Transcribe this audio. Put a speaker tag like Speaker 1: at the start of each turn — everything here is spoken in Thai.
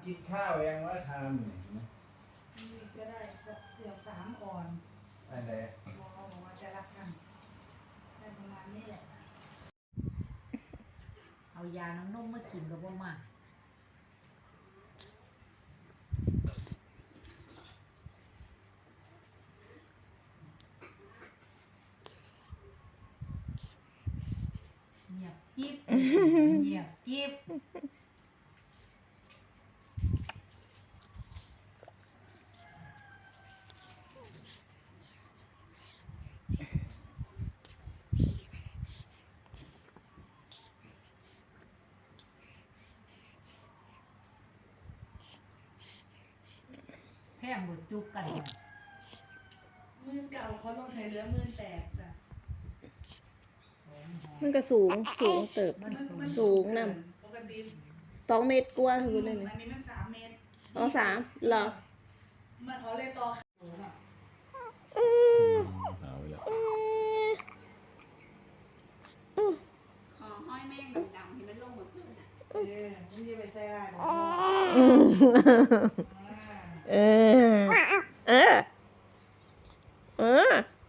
Speaker 1: กินข้าวยังว่าทำ
Speaker 2: นี่ก็ได้เกือบ3 ก่อน
Speaker 1: อะไร
Speaker 2: หมอบอกว่าจะรับทำได้ประมาณนี้แหละเอายาน้ำนมมากินก็บ่มาเงียบจิ๊บเงียบจิ๊บแพงบ่จุกกันเนี่ยมือเก่าเขาลงไข่เหลือ18,000จ้ะ
Speaker 3: มันก็สูงเติบสูงน
Speaker 2: ปกติ
Speaker 3: ำ2 เมตรกว่าคือนั่นนี่
Speaker 2: อันนี้มัน3 เมตร
Speaker 3: อ๋อ3เหรอ
Speaker 2: มันเขาเลยต่อสูงอ่ะ
Speaker 1: เอาละ
Speaker 4: ขอห้อยแม่งดำๆที่มันลงเหมือนเพื่อนอ่ะ
Speaker 2: มันจะไปใส่ได้หรอ
Speaker 3: เออ